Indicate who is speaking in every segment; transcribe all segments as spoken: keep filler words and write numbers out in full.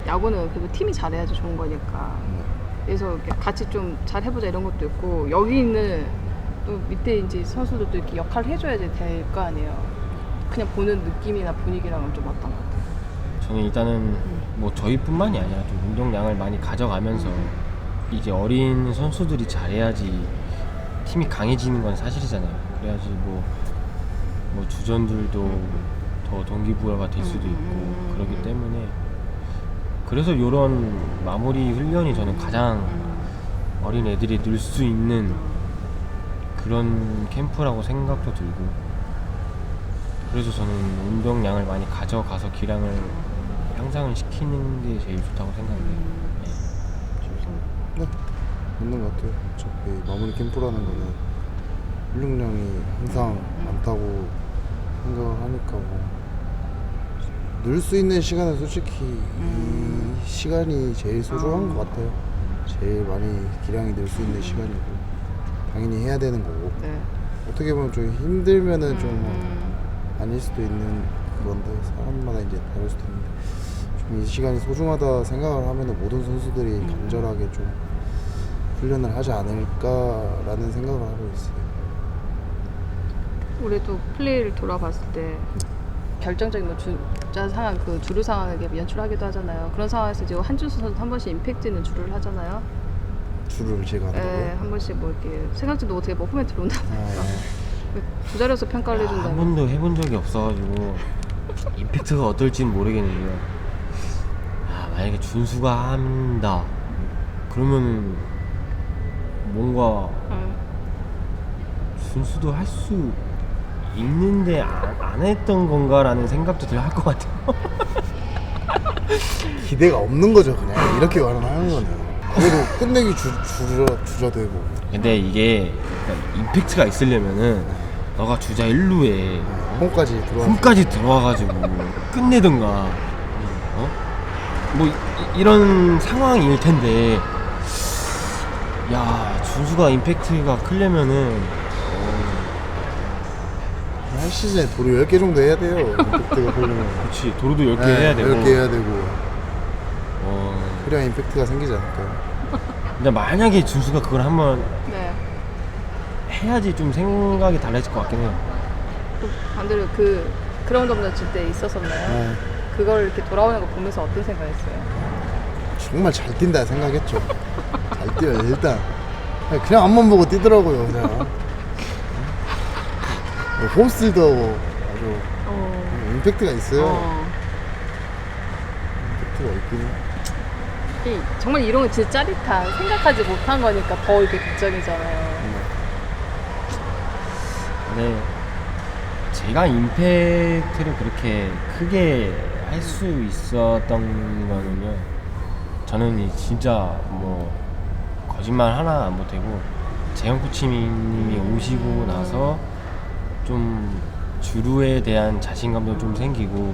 Speaker 1: 야구는 그래도 팀이 잘해야지 좋은 거니까.
Speaker 2: 네.
Speaker 1: 그래서 이렇게 같이 좀 잘 해보자 이런 것도 있고, 여기 있는 또 밑에 이제 선수들도 이렇게 역할을 해줘야지 될 거 아니에요. 그냥 보는 느낌이나 분위기랑은 좀 어떤 것 같아요?
Speaker 3: 저는 일단은
Speaker 1: 음.
Speaker 3: 뭐 저희뿐만이 아니라 좀 운동량을 많이 가져가면서
Speaker 1: 음.
Speaker 3: 이제 어린 선수들이 잘해야지 팀이 강해지는 건 사실이잖아요. 그래야지 뭐, 뭐 주전들도
Speaker 1: 음.
Speaker 3: 더 동기부여가 될 수도 있고
Speaker 1: 음.
Speaker 3: 그렇기 때문에 그래서 이런 마무리 훈련이 저는 가장
Speaker 1: 음.
Speaker 3: 어린 애들이 늘 수 있는 그런 캠프라고 생각도 들고, 그래서 저는 운동량을 많이 가져가서 기량을 향상을 시키는 게 제일 좋다고 생각해요. 네.
Speaker 2: 네, 맞는 것 같아요. 어차피 마무리 캠프라는 거는 훈련량이 항상 많다고 생각을 하니까 뭐 늘 수 있는 시간은 솔직히 이 시간이 제일 소중한 것 같아요. 제일 많이 기량이 늘 수 있는 시간이고 당연히 해야 되는 거고,
Speaker 1: 네.
Speaker 2: 어떻게 보면 좀 힘들면은 좀
Speaker 1: 음.
Speaker 2: 아닐 수도 있는 그건데 사람마다 이제 다를 수도 있는데 좀 이 시간이 소중하다 생각을 하면은 모든 선수들이
Speaker 1: 음.
Speaker 2: 간절하게 좀 훈련을 하지 않을까라는 생각을 하고 있어요.
Speaker 1: 올해도 플레이를 돌아봤을 때 결정적인 뭐 주자 상황, 그 주루 상황을 이렇게 연출하기도 하잖아요. 그런 상황에서 이제 한준수 선수 한 번씩 임팩트 있는 주루를 하잖아요.
Speaker 2: 줄을 제가 한다고요?
Speaker 1: 네, 한 번씩 뭐 이렇게 생각지도 못하게 뭐 홈에 들어온다.
Speaker 2: 아,
Speaker 1: 두 자리에서 평가를
Speaker 3: 야, 한
Speaker 1: 해준다면.
Speaker 3: 번도 해본 적이 없어가지고 임팩트가 어떨지는 모르겠는데요. 아, 만약에 준수가 한다 그러면 뭔가
Speaker 1: 응.
Speaker 3: 준수도 할 수 있는데 안, 안 했던 건가라는 생각도 들 할 것 같아요.
Speaker 2: 기대가 없는 거죠 그냥 이렇게 말을 하는 거는. 그래도 끝내기 주, 주저, 주저되고
Speaker 3: 근데 이게 그러니까 임팩트가 있으려면은 너가 주자 일 루에
Speaker 2: 홈까지 들어와
Speaker 3: 홈까지 들어와가지고 끝내든가 어? 뭐 이, 이런 상황일 텐데, 야 준수가 임팩트가 크려면은
Speaker 2: 한 시즌에 도루 열 개 정도 해야 돼요. 임팩트가 걸리면.
Speaker 3: 그렇지 도루도 열 개 해야 되고
Speaker 2: 열 개 해야 되고
Speaker 3: 어,
Speaker 2: 그래야 임팩트가 생기지 않을까요?
Speaker 3: 근데 만약에 준수가 그걸 한번
Speaker 1: 네.
Speaker 3: 해야지 좀 생각이 달라질 것 같긴 해요.
Speaker 1: 또 반대로 그 그라운드 홈런 칠 때 있었었나요?
Speaker 2: 네.
Speaker 1: 그걸 이렇게 돌아오는 거 보면서 어떤 생각했어요?
Speaker 2: 정말 잘 뛴다 생각했죠. 잘 뛰어요 일단. 그냥 앞만 보고 뛰더라고요 그냥. 홈스틸도 아주
Speaker 1: 어.
Speaker 2: 임팩트가 있어요.
Speaker 1: 어.
Speaker 2: 임팩트가 있긴 해.
Speaker 1: 이, 정말 이런 거 진짜 짜릿한, 생각하지 못한 거니까 더 이렇게 극적이잖아요.
Speaker 3: 근데 제가 임팩트를 그렇게 크게 할 수 있었던 거는요, 저는 이 진짜 뭐 거짓말 하나 안 보태고 재영 코치님이 오시고 나서 좀 주루에 대한 자신감도 좀 생기고,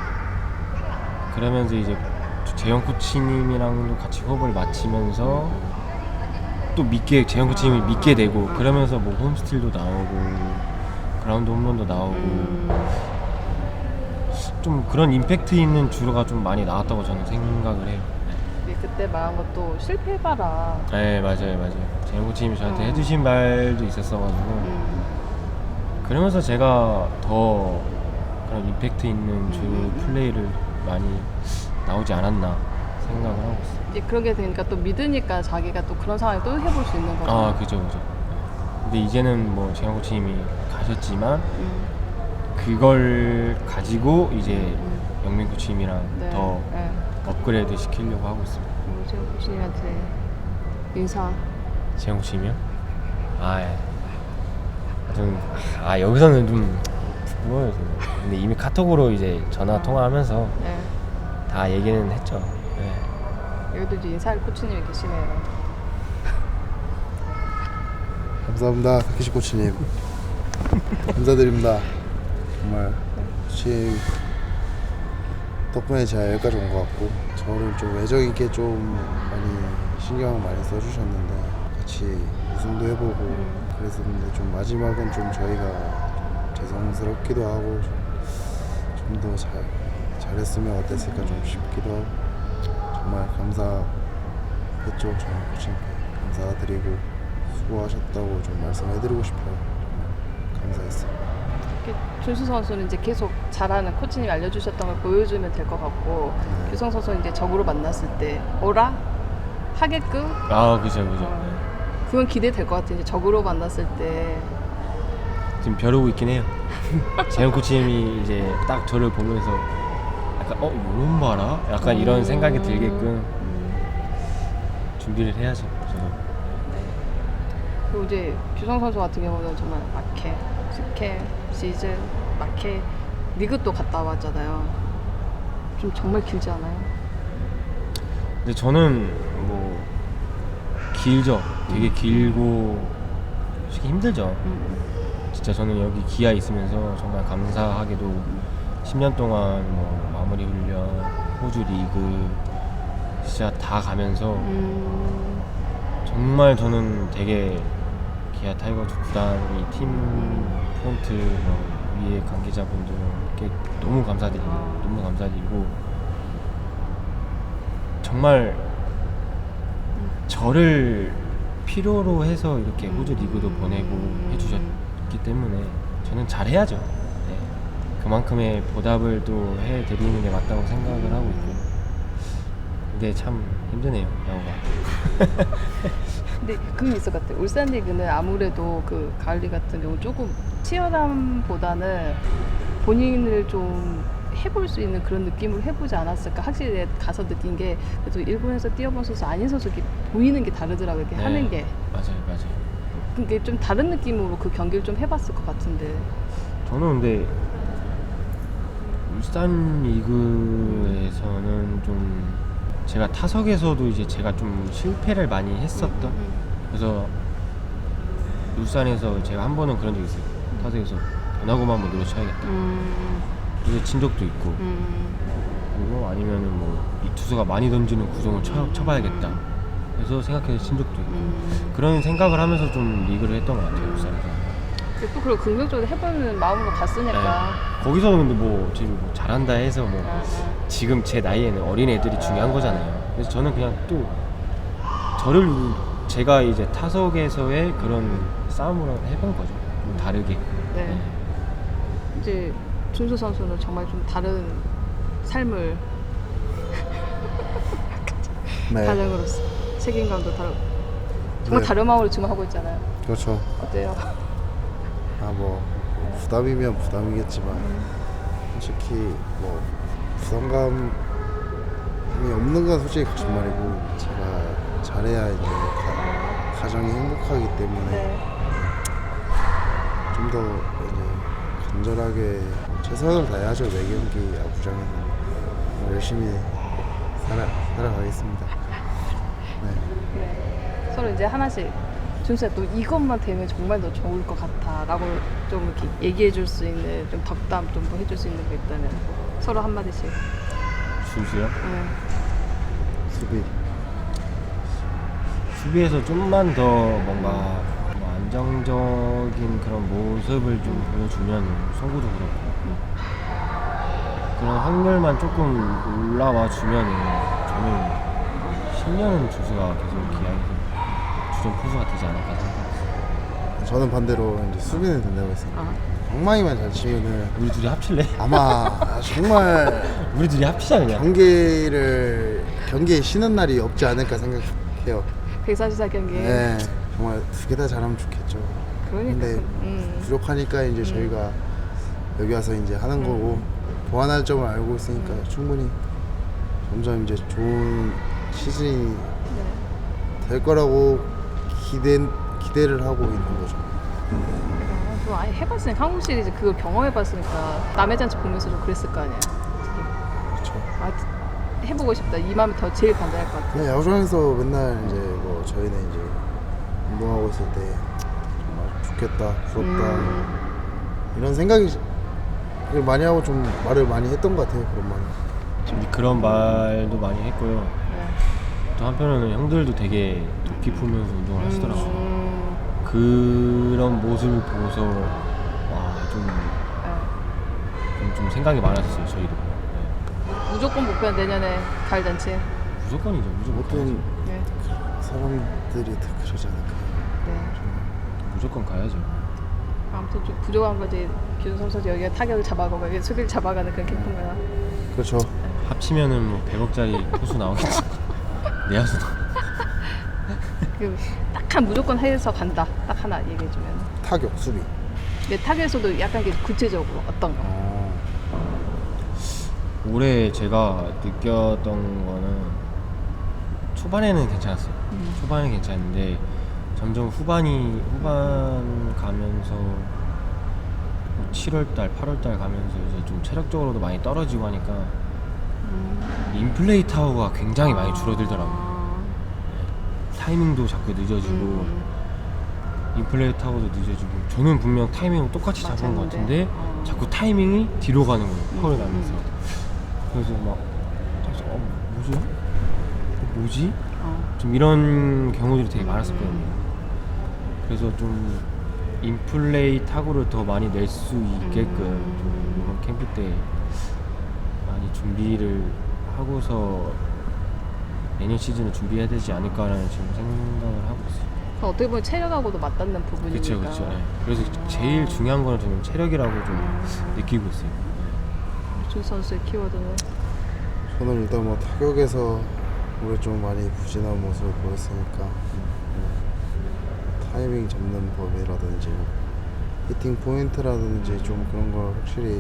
Speaker 3: 그러면서 이제 재영 코치님이랑도 같이 호흡을 맞추면서 또 믿게 재영 코치님을 믿게 되고, 그러면서 뭐 홈스틸도 나오고 그라운드 홈런도 나오고
Speaker 1: 음.
Speaker 3: 좀 그런 임팩트 있는 주루가 좀 많이 나왔다고 저는 생각을 해요.
Speaker 1: 네, 그때 말한 것도 실패해봐라.
Speaker 3: 네, 맞아요 맞아요. 재영 코치님이 저한테
Speaker 1: 어.
Speaker 3: 해주신 말도 있었어가지고
Speaker 1: 음.
Speaker 3: 그러면서 제가 더 그런 임팩트 있는 주루 플레이를 많이 나오지 않았나 생각을 하고 있어요.
Speaker 1: 이제 그러게 되니까 또 믿으니까 자기가 또 그런 상황에 또 해볼 수 있는 거죠.
Speaker 3: 아 그죠 그죠. 근데 이제는 뭐 재영 코치님이 가셨지만
Speaker 1: 음.
Speaker 3: 그걸 가지고 이제
Speaker 1: 음.
Speaker 3: 영민 코치님이랑
Speaker 1: 네.
Speaker 3: 더
Speaker 1: 네.
Speaker 3: 업그레이드 시키려고 하고 있습니다.
Speaker 1: 재영 코치님한테 인사.
Speaker 3: 재영 코치님이요? 아, 예. 좀, 아 여기서는 좀 부끄러워요. 저는. 근데 이미 카톡으로 이제 전화 통화하면서
Speaker 1: 네.
Speaker 3: 다 얘기는 했죠. 예.
Speaker 1: 여기도 이제 인사할 코치님이 계시네요.
Speaker 2: 감사합니다 타케시 코치님. 감사드립니다. 정말 코치 덕분에 제가 여기까지 온 것 같고, 저를 좀 애정있게 좀 많이 신경 많이 써주셨는데 같이 우승도 해보고 그랬었는데, 좀 마지막은 좀 저희가 죄송스럽기도 하고 좀 더 잘 잘했으면 어땠을까 좀 싶기도 하고 정말 감사했죠. 저는 코치님께 감사드리고 수고하셨다고 좀 말씀해드리고 싶어요. 정말 감사했어요.
Speaker 1: 이렇게 준수 선수는 이제 계속 잘하는 코치님이 알려주셨던 걸 보여주면 될 것 같고
Speaker 2: 네.
Speaker 1: 규성 선수는 이제 적으로 만났을 때 오라 하게끔
Speaker 3: 아 그죠 그죠.
Speaker 1: 어, 그건 기대될 것 같아요. 이제 적으로 만났을 때
Speaker 3: 지금 벼르고 있긴 해요. 재현 코치님이 이제 딱 저를 보면서 약간 어 요런 봐라? 약간 이런 생각이 들게끔
Speaker 1: 음,
Speaker 3: 준비를 해야죠. 저는.
Speaker 1: 그리고 이제 규성 선수 같은 경우는 정말 마케, 스케, 시즌, 마케 리그도 갔다 왔잖아요. 좀 정말 길지 않아요?
Speaker 3: 근데 저는 뭐 길죠. 되게 길고 솔직히 힘들죠.
Speaker 1: 음,
Speaker 3: 진짜 저는 여기 기아 있으면서 정말 감사하게도 십 년 동안 뭐 마무리 훈련, 호주 리그 진짜 다 가면서
Speaker 1: 음,
Speaker 3: 정말 저는 되게 기아 타이거즈 구단이 팀 프론트 뭐 위에 관계자분들께 너무 감사드리고
Speaker 1: 아.
Speaker 3: 너무 감사드리고 정말 저를 필요로 해서 이렇게 호주 리그도 보내고 해주셨기 때문에 저는 잘해야죠. 네. 그만큼의 보답을 또 해드리는 게 맞다고 생각을 하고 있고 근데 참 힘드네요 야구가.
Speaker 1: 근데 그게 있을 것 같아요. 울산 리그는 아무래도 그 가을 리그 같은 경우 조금 치열함보다는 본인을 좀 해볼 수 있는 그런 느낌으로 해보지 않았을까. 확실히 가서 느낀 게 그래도 일본에서 뛰어본 선수 아닌 선수 이렇게 보이는 게 다르더라고요. 이렇게
Speaker 3: 네.
Speaker 1: 하는 게.
Speaker 3: 맞아요 맞아요.
Speaker 1: 그게 좀 다른 느낌으로 그 경기를 좀 해봤을 것 같은데.
Speaker 3: 저는 근데 울산 리그에서는 좀 제가 타석에서도 이제 제가 좀 실패를 많이 했었던
Speaker 1: 음,
Speaker 3: 그래서 울산에서 제가 한 번은 그런 적이 있어요. 타석에서 변화구만 한번 노려쳐야겠다.
Speaker 1: 음,
Speaker 3: 그래서 친 적도 있고
Speaker 1: 음,
Speaker 3: 그리고 아니면은 뭐 이 투수가 많이 던지는 구종을 쳐, 쳐봐야겠다. 그래서 생각해서 친 적도 있고
Speaker 1: 음.
Speaker 3: 그런 생각을 하면서 좀 리그를 했던 것 같아요 울산에서.
Speaker 1: 근데 또 그걸 긍정적으로 해보는 마음으로 갔으니까.
Speaker 3: 네. 거기서는 근데 뭐 지금 뭐 잘한다 해서 뭐
Speaker 1: 아, 아.
Speaker 3: 지금 제 나이에는 어린 애들이 중요한 거잖아요. 그래서 저는 그냥 또 저를 제가 이제 타석에서의 그런 싸움을 해본 거죠. 좀 다르게.
Speaker 1: 네. 이제 준수 선수는 정말 좀 다른 삶을
Speaker 2: 네.
Speaker 1: 가정으로서 책임감도 다르고 정말
Speaker 2: 네.
Speaker 1: 다른 마음으로 지금 하고 있잖아요.
Speaker 2: 그렇죠.
Speaker 1: 어때요?
Speaker 2: 아 뭐 부담이면 부담이겠지만 솔직히 뭐 부담감이 없는 건 솔직히 거짓말이고 제가 잘해야 이제 가, 가정이 행복하기 때문에
Speaker 1: 네.
Speaker 2: 좀 더 이제 간절하게 최선을 다해야죠. 매 경기 야구장에서 열심히 살아 살아가겠습니다. 네.
Speaker 1: 네. 서로 이제 하나씩 준수야 또 이것만 되면 정말 더 좋을 것 같아 라고 좀 이렇게 얘기해 줄 수 있는 좀 덕담 좀 해줄 수 있는 거 있다면 서로 한마디씩.
Speaker 3: 준수요?
Speaker 1: 네.
Speaker 2: 수비.
Speaker 3: 수비에서 좀만 더 뭔가 뭐 안정적인 그런 모습을 좀 보여주면 송구도 그렇고 그런 확률만 조금 올라와 주면 저는 십 년은 준수가 계속 기아에서 주전 포수가 되지 않을까 생각합니다.
Speaker 2: 저는 반대로 이제 수비는 된다고 했어요.
Speaker 1: 아.
Speaker 2: 방망이만 잘 치면은
Speaker 3: 우리 둘이 합칠래?
Speaker 2: 아마 정말
Speaker 3: 우리 둘이 합치자 그냥.
Speaker 2: 경기를 경기에 쉬는 날이 없지 않을까 생각해요.
Speaker 1: 백사십사 경기.
Speaker 2: 네, 정말 두 개 다 잘하면 좋겠죠.
Speaker 1: 그러니까.
Speaker 2: 근데
Speaker 1: 음.
Speaker 2: 부족하니까 이제 저희가 여기 와서 이제 하는 거고 보완할 점을 알고 있으니까 충분히 점점 이제 좋은 시즌이
Speaker 1: 네.
Speaker 2: 될 거라고 기대 기대를 하고 있는 거죠.
Speaker 1: 어, 그거 아예 해봤으니까 한국 시리즈 그걸 경험해봤으니까 남의 잔치 보면서 좀 그랬을 거 아니에요.
Speaker 2: 그렇죠.
Speaker 1: 아, 해보고 싶다. 이 마음이 더 제일 간절할 것 같아.
Speaker 2: 그냥 야구장에서 맨날 이제 뭐 저희는 이제 운동하고 있을 때 정말 좋겠다, 부럽다
Speaker 1: 음.
Speaker 2: 이런 생각이 많이 하고 좀 말을 많이 했던 것 같아요. 그런 말.
Speaker 3: 지금 그런 말도 많이 했고요.
Speaker 1: 네.
Speaker 3: 또 한편으로는 형들도 되게 도끼 풀면서 운동을 하시더라고요.
Speaker 1: 음.
Speaker 3: 그런 모습을 보고서 와좀
Speaker 1: 네.
Speaker 3: 좀, 좀 생각이 많아졌어요 저희도. 네.
Speaker 1: 무조건 목표는 내년에 가을 잔치.
Speaker 3: 무조건이죠. 무조건
Speaker 2: 모든
Speaker 3: 가야죠.
Speaker 1: 네.
Speaker 2: 사람들이 다 그러지 않을까.
Speaker 1: 네.
Speaker 3: 무조건 가야죠.
Speaker 1: 아무튼 좀 부족한 거지. 기준 선수 여기가 타격을 잡아가고 여기 수비를 잡아가는 그런 캠프인가요?
Speaker 2: 그렇죠.
Speaker 3: 합치면은 뭐 백억짜리 투수 나오겠지. 내야수
Speaker 1: 딱한 무조건 해서 간다. 딱 하나 얘기해주면.
Speaker 2: 타격, 수비.
Speaker 1: 내 타격에서도 약간 이렇게 구체적으로 어떤 거.
Speaker 2: 어.
Speaker 3: 올해 제가 느꼈던 거는 초반에는 괜찮았어요.
Speaker 1: 음.
Speaker 3: 초반은 괜찮은데 점점 후반이 후반 가면서 칠월달, 팔월달 가면서 이제 좀 체력적으로도 많이 떨어지고 하니까
Speaker 1: 음.
Speaker 3: 인플레이 타워가 굉장히 많이 줄어들더라고요.
Speaker 1: 아.
Speaker 3: 타이밍도 자꾸 늦어지고
Speaker 1: 음.
Speaker 3: 인플레이 타워도 늦어지고 저는 분명 타이밍을 똑같이 잡은 것
Speaker 1: 맞았는데.
Speaker 3: 같은데
Speaker 1: 어.
Speaker 3: 자꾸 타이밍이 뒤로 가는 거예요. 펄을
Speaker 1: 음.
Speaker 3: 나면서. 그래서 막 그래서 어 뭐지? 어, 뭐지?
Speaker 1: 어.
Speaker 3: 좀 이런 경우들이 되게 많았었거든요.
Speaker 1: 음.
Speaker 3: 그래서 좀 인플레이 타구를 더 많이 낼 수 있게끔
Speaker 1: 음.
Speaker 3: 좀 이번 캠프 때 많이 준비를 하고서 내년 시즌을 준비해야 되지 않을까라는 지금 생각을 하고 있어요.
Speaker 1: 어떻게 보면 체력하고도 맞닿는 부분이니까.
Speaker 3: 그렇죠, 그렇죠. 네. 그래서 제일 중요한 거는 저는 체력이라고 좀
Speaker 1: 음.
Speaker 3: 느끼고 있어요.
Speaker 1: 준 선수의 키워드는
Speaker 2: 저는 일단 뭐 타격에서 올해 좀 많이 부진한 모습을 보였으니까 뭐 타이밍 잡는 법이라든지 뭐 히팅 포인트라든지 좀 그런 걸 확실히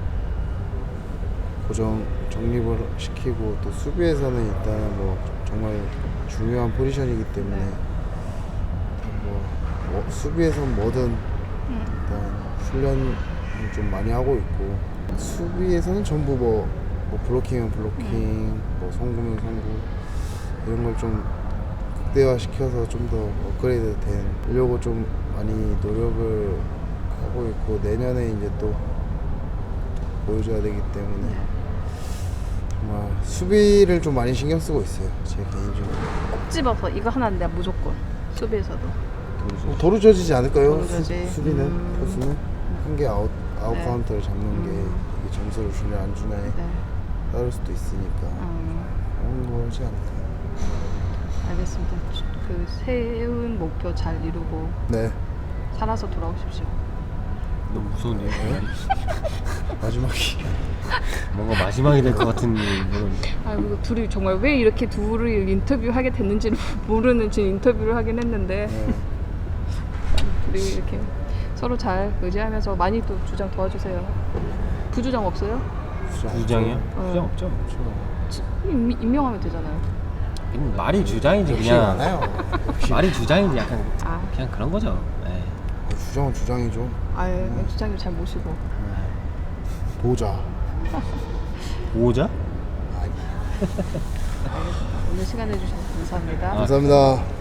Speaker 2: 고정 정립을 시키고 또 수비에서는 일단은 뭐 정말 중요한 포지션이기 때문에
Speaker 1: 네.
Speaker 2: 뭐, 뭐 수비에선 뭐든
Speaker 1: 음.
Speaker 2: 일단 훈련을 좀 많이 하고 있고 수비에서는 전부 뭐, 뭐 블로킹은 블로킹, 뭐 송구면 송구 이런 걸 좀 극대화 시켜서 좀 더 업그레이드 되려고 좀 많이 노력을 하고 있고 내년에 이제 또 보여줘야 되기 때문에 정말 수비를 좀 많이 신경 쓰고 있어요. 제 개인적으로.
Speaker 1: 꼭 집어서 이거 하나는 내가 무조건 수비에서도.
Speaker 2: 뭐 도루져지지 않을까요?
Speaker 1: 도루져지.
Speaker 2: 수, 수비는
Speaker 1: 음.
Speaker 2: 포수는 한 개 아웃 아웃
Speaker 1: 네.
Speaker 2: 카운트를 잡는
Speaker 1: 음.
Speaker 2: 게 이게 점수를 주냐 안 주냐에
Speaker 1: 네.
Speaker 2: 따를 수도 있으니까
Speaker 1: 음.
Speaker 2: 그런 거지 않을까.
Speaker 1: 알겠습니다. 그 세운 목표 잘 이루고
Speaker 2: 네
Speaker 1: 살아서 돌아오십시오.
Speaker 3: 너무 무서운데요?
Speaker 2: 네. 마지막이
Speaker 3: 뭔가 마지막이 될 것 같은 그런.
Speaker 1: 아이고 둘이 정말 왜 이렇게 둘을 인터뷰하게 됐는지는 모르는 지금 인터뷰를 하긴 했는데
Speaker 2: 네.
Speaker 1: 우리 이렇게 서로 잘 의지하면서 많이 또 주장 도와주세요. 부주장 없어요?
Speaker 3: 주장이요?
Speaker 1: 어.
Speaker 3: 주장 없죠.
Speaker 1: 지- 임, 임명하면 되잖아요.
Speaker 3: 그냥 말이 주장이지
Speaker 2: 역시
Speaker 3: 그냥.
Speaker 2: 많아요. 역시
Speaker 3: 말이 주장이지 약간
Speaker 1: 아,
Speaker 3: 그냥 그런 거죠. 네.
Speaker 2: 주장은 주장이죠.
Speaker 1: 아예 주장님 잘 모시고.
Speaker 2: 보자.
Speaker 3: 보호자?
Speaker 2: 아니.
Speaker 1: 오늘 시간 내주셔서 감사합니다.
Speaker 3: 아,
Speaker 2: 감사합니다.